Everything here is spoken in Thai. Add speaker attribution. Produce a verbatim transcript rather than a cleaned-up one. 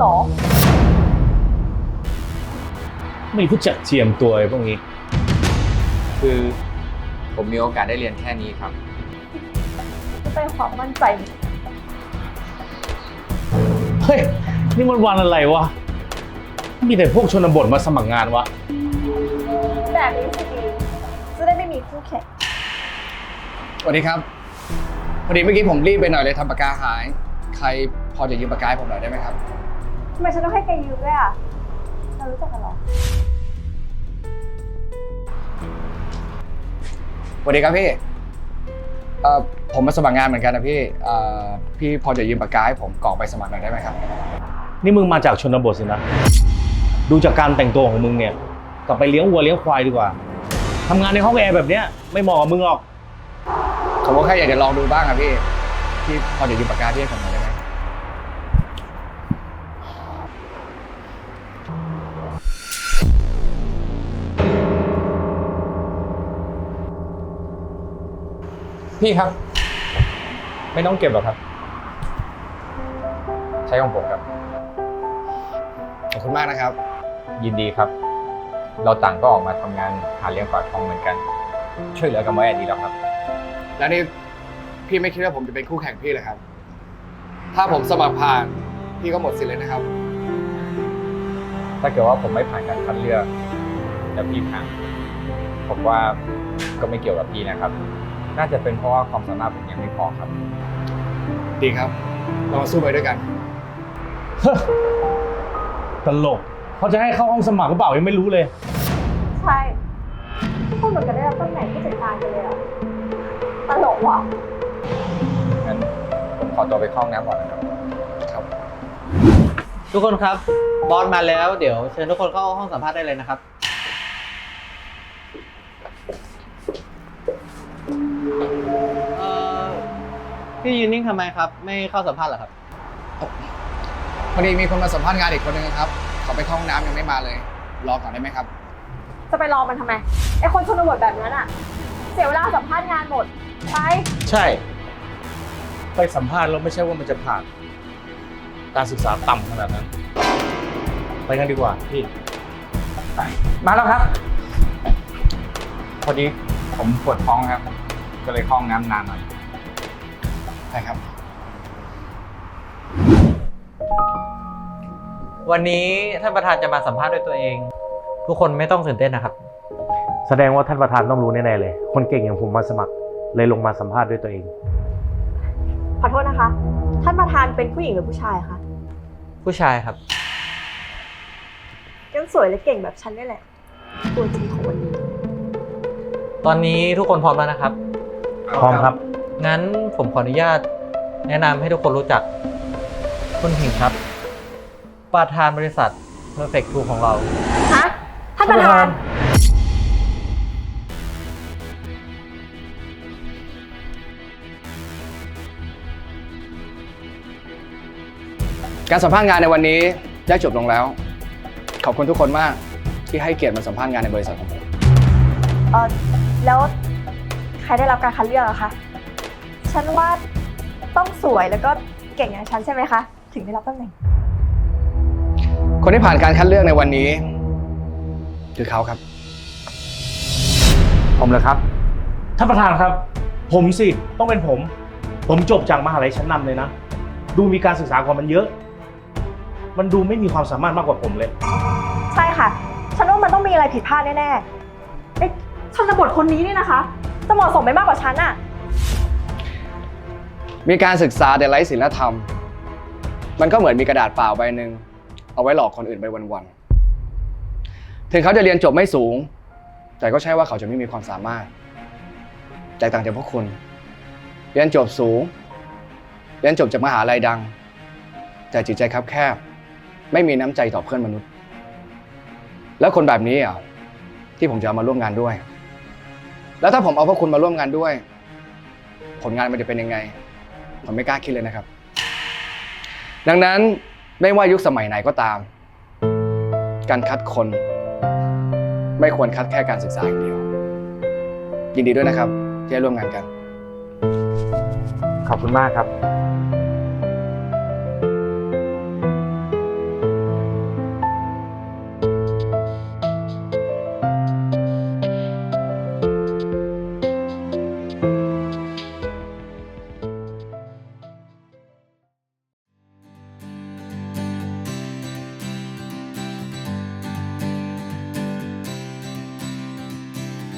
Speaker 1: เหรอ
Speaker 2: ไม่รู้จักเจียมตัวไอ้พวกนี้
Speaker 3: คือผมมีโอกาสได้เรียนแค่นี้ครับ
Speaker 1: จะเป็นความมั่นใจ
Speaker 2: เฮ้ยนี่มันวันอะไรวะมีแต่พวกชนบทมาสมัครงานวะ
Speaker 1: แบบนี้สิดีจะได้ไม่มีคู่แข่ง
Speaker 4: สวัสดีครับพอดีเมื่อกี้ผมรีบไปหน่อยเลยทำปากกาหายใครพอจะยืมปากกาให้ผมหน่อยได้ไหมครับ
Speaker 1: ทำไมฉันต้องให้แกยืมด้วยอ่ะเรารู้จักกันหรอ
Speaker 4: สวัสดีครับพี่เอ่อผมมาสมัครงานเหมือนกันนะพี่เอ่อพี่พอจะยืมปากกาให้ผมกรอกไปสมัครหน่อยได้ไหมครับ
Speaker 2: นี่มึงมาจากชนบทสินะดูจากการแต่งตัวของมึงเนี่ยกลับไปเลี้ยงวัวเลี้ยงควายดีกว่าทำงานในห้องแอร์แบบเนี้ยไม่เหมาะกับมึงหรอก
Speaker 4: ผมก็แค่อยากจะลองดูบ้างครับพี่พี่พอจะยืมปากกาพี่ให้ผมหน่อยได้ไหม
Speaker 3: พี่ครับไม่ต้องเก็บหรอกครับใช้ของผมครับ
Speaker 4: ขอบคุณมากนะครับ
Speaker 3: ยินดีครับเราต่างก็ออกมาทำงานหาเลี้ยงปากท้องเหมือนกันช่วยเหลือกันไว้ดีแล้วครับ
Speaker 4: แล้วนี่พี่ไม่คิดว่าผมจะเป็นคู่แข่งพี่เลยครับถ้าผมสมัครผ่านพี่ก็หมดสิทธิ์เลยนะครับ
Speaker 3: ถ้าเกิดว่าผมไม่ผ่านการคัดเลือกแล้วพี่ผ่านผมว่าก็ไม่เกี่ยวกับพี่นะครับน่าจะเป็นเพราะว่าความสามารถผมยังไม่พอครับ
Speaker 4: ดีครับเรามาสู้ไปด้วยกัน
Speaker 2: ตลกเขาจะให้เข้าห้องสมัครหรือเปล่ายังไม่รู้เลย
Speaker 1: ใช่ทุกคนเหมือนกันได้รับตำแหน่งผู้จัดการกันเลยอะตลกว่ะ
Speaker 3: งั้นผมขอตัวไปเข้าห้องน้ำก่อนนะครับ
Speaker 4: ครับ
Speaker 5: ทุกคนครับบอสมาแล้วเดี๋ยวเชิญทุกคนเข้าห้องสัมภาษณ์ได้เลยนะครับเอ่อพี่ยืนนิ่งทำไมครับไม่เข้าสัมภาษณ์เหรอครับ
Speaker 4: พอดีมีคนมาสัมภาษณ์งานอีกคนนึงครับเขาไปเข้าห้องน้ำยังไม่มาเลยรอก่อนได้ไหมครับ
Speaker 1: จะไปรอมันทำไมไอคนชนบทแบบนั้นอะเสียเวลาสัมภาษณ์งานหมดไป
Speaker 2: ใช่ไปสัมภาษณ์แล้วไม่ใช่ว่ามันจะผ่านการศึกษาต่ำขนาดนั้นไปกันดีกว่าพี่
Speaker 3: มาแล้วครับพอดีผมปวดท้องครับก็เลยเข้าห้องน้ำนานหน่อย
Speaker 4: ใช่ครับ
Speaker 5: วันนี้ท่านประธานจะมาสัมภาษณ์ด้วยตัวเองทุกคนไม่ต้องตื่นเต้นนะครับ
Speaker 2: แสดงว่าท่านประธานต้องรู้แน่ๆเลยคนเก่งอย่างผมมาสมัครเลยลงมาสัมภาษณ์ด้วยตัวเอง
Speaker 1: ขอโทษนะคะท่านประธานเป็นผู้หญิงหรือผู้ชายคะ
Speaker 5: ผู้ชายครับ
Speaker 1: ยังสวยและเก่งแบบฉันนี่แหละตัวจริงของวันนี้
Speaker 5: ตอนนี้ทุกคนพร้อมแล้วนะครับ
Speaker 2: พร้อมครับ
Speaker 5: งั้นผมขออนุญาตแนะนำให้ทุกคนรู้จักคุณผิงครับประธานบริษัท Perfect ทู ของเรา
Speaker 1: ฮะท่านประธาน
Speaker 4: การสัมภาษณ์งานในวันนี้ได้จบลงแล้วขอบคุณทุกคนมากที่ให้เกียรติมาสัมภาษณ์งานในบริษัทของผม
Speaker 1: เออแล้วใครได้รับการคัดเลือกอะคะฉันว่าต้องสวยแล้วก็เก่งอย่างฉันใช่ไหมคะถึงได้รับตำแหน่ง
Speaker 4: คนที่ผ่านการคัดเลือกในวันนี้คือเขาครับ
Speaker 2: ผมเลยครับท่านประธานครับผมสิต้องเป็นผมผมจบจากมหาลัยชั้นนำเลยนะดูมีการศึกษากว่ามันเยอะมันดูไม่มีความสามารถมากกว่าผมเลย
Speaker 1: ใช่ค่ะฉันว่ามันต้องมีอะไรผิดพลาดแน่ๆไอ้ชนบทคนนี้นี่นะคะจะเหมาะสมไม่มากกว่าฉันอะ
Speaker 4: มีการศึกษาแต่ไร้ศีลธรรมมันก็เหมือนมีกระดาษเปล่าใบหนึ่งเอาไว้หลอกคนอื่นไปวันๆถึงเขาจะเรียนจบไม่สูงแต่ก็ใช่ว่าเขาจะไม่มีความสามารถแตกต่างจากพวกคุณเรียนจบสูงเรียนจบจากมหาลัยดังแต่จิตใจคับแคบไม่มีน้ำใจต่อเพื่อนมนุษย์แล้วคนแบบนี้อ่ะที่ผมจะเอามาร่วมงานด้วย แล้วถ้าผมเอาพวกคุณมาร่วมงานด้วยผลงานมันจะเป็นยังไงผมไม่กล้าคิดเลยนะครับดังนั้นไม่ว่ายุคสมัยไหนก็ตามการคัดคนไม่ควรคัดแค่การศึกษาอย่างเดียวยินดีด้วยนะครับที่ได้ร่วมงานกัน
Speaker 3: ขอบคุณมากครับ